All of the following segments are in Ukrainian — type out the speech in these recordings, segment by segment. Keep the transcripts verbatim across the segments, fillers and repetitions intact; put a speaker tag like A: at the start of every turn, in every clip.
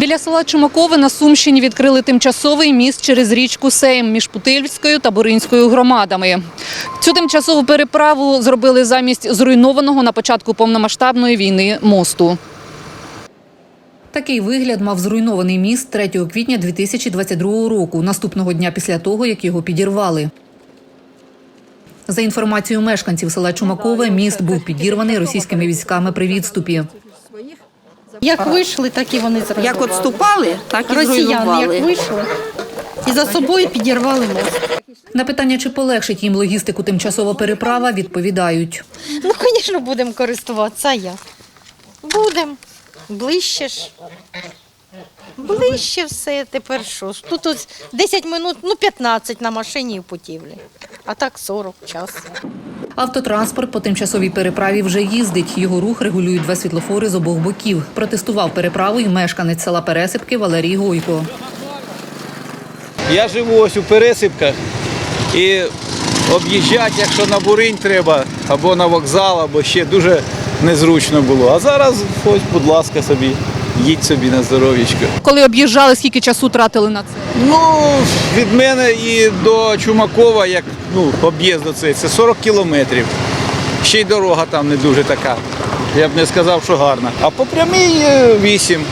A: Біля села Чумакове на Сумщині відкрили тимчасовий міст через річку Сейм між Путильською та Буринською громадами. Цю тимчасову переправу зробили замість зруйнованого на початку повномасштабної війни мосту. Такий вигляд мав зруйнований міст третього квітня дві тисячі двадцять другого року, наступного дня після того, як його підірвали. За інформацією мешканців села Чумакове, міст був підірваний російськими військами при відступі.
B: Як вийшли, так і вони зробили.
C: Як відступали, так і
B: Росіяни
C: зруйнували.
B: як вийшли, і за собою підірвали мост.
A: На питання, чи полегшить їм логістику тимчасова переправа, відповідають.
B: Ну, звісно, будемо користуватися, а як? Будемо. Ближче ж. Ближче все, тепер що? Тут ось десять минут, ну п'ятнадцять на машині в путівлі, а так сорок час.
A: Автотранспорт по тимчасовій переправі вже їздить. Його рух регулюють два світлофори з обох боків. Протестував переправу і мешканець села Пересипки Валерій Гойко.
D: Я живу ось у Пересипках і об'їжджати, якщо на Буринь треба, або на вокзал, або ще дуже незручно було. А зараз ось, будь ласка, собі, їдь собі на здоров'ячко.
A: Коли об'їжджали, скільки часу тратили на це?
D: Ну, від мене і до Чумакова, як ну, об'їзд до цей, це сорок кілометрів. Ще й дорога там не дуже така. Я б не сказав, що гарна. А по прямій вісім.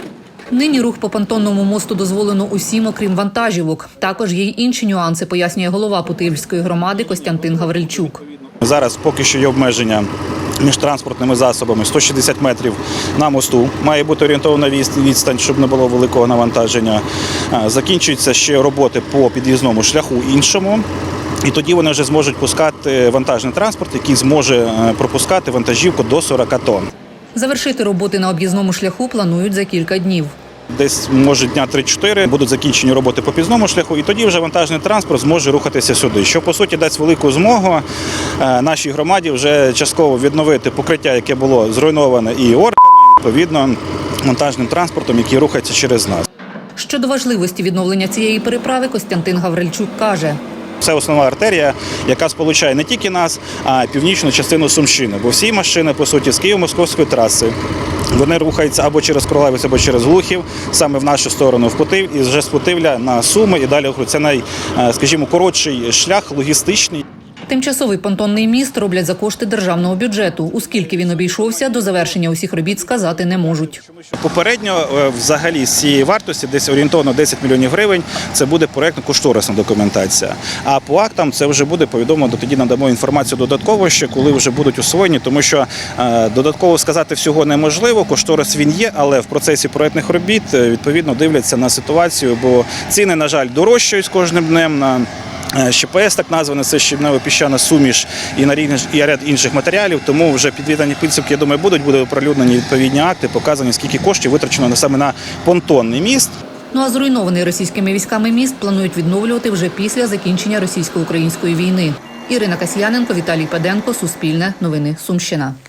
A: Нині рух по понтонному мосту дозволено усім, окрім вантажівок. Також є й інші нюанси, пояснює голова Путильської громади Костянтин Гаврильчук.
E: Зараз поки що є обмеження між транспортними засобами сто шістдесят метрів на мосту. Має бути орієнтована відстань, щоб не було великого навантаження. Закінчуються ще роботи по під'їзному шляху іншому. І тоді вони вже зможуть пускати вантажний транспорт, який зможе пропускати вантажівку до сорока тонн.
A: Завершити роботи на об'їзному шляху планують за кілька днів.
E: Десь, може, дня три-чотири будуть закінчені роботи по під'їзному шляху, і тоді вже вантажний транспорт зможе рухатися сюди, що, по суті, дасть велику змогу нашій громаді вже частково відновити покриття, яке було зруйноване і орками, відповідно, вантажним транспортом, який рухається через нас.
A: Щодо важливості відновлення цієї переправи, Костянтин Гаврильчук каже.
E: Це основна артерія, яка сполучає не тільки нас, а й північну частину Сумщини. Бо всі машини, по суті, з Києво-Московської траси, вони рухаються або через Кролевець, або через Глухів, саме в нашу сторону, в Путив, і вже з Путивля на Суми, і далі це най, скажімо, коротший шлях, логістичний.
A: Тимчасовий понтонний міст роблять за кошти державного бюджету. У скільки він обійшовся, до завершення усіх робіт сказати не можуть.
E: Попередньо, взагалі, з цієї вартості, десь орієнтовно десять мільйонів гривень, це буде проєктно-кошторисна документація. А по актам це вже буде повідомлено, тоді надамо інформацію додатково ще, коли вже будуть освоєні, тому що е, додатково сказати всього неможливо, кошторис він є, але в процесі проєктних робіт, відповідно, дивляться на ситуацію, бо ціни, на жаль, дорожчають з кожним днем на ЩПС, так назване, це щебнево-піщана суміш і на і ряд інших матеріалів, тому вже підведені підсумки, я думаю, будуть, будуть оприлюднені відповідні акти, показані, скільки коштів витрачено саме на понтонний міст.
A: Ну а зруйнований російськими військами міст планують відновлювати вже після закінчення російсько-української війни. Ірина Касьяненко, Віталій Паденко, Суспільне, Новини, Сумщина.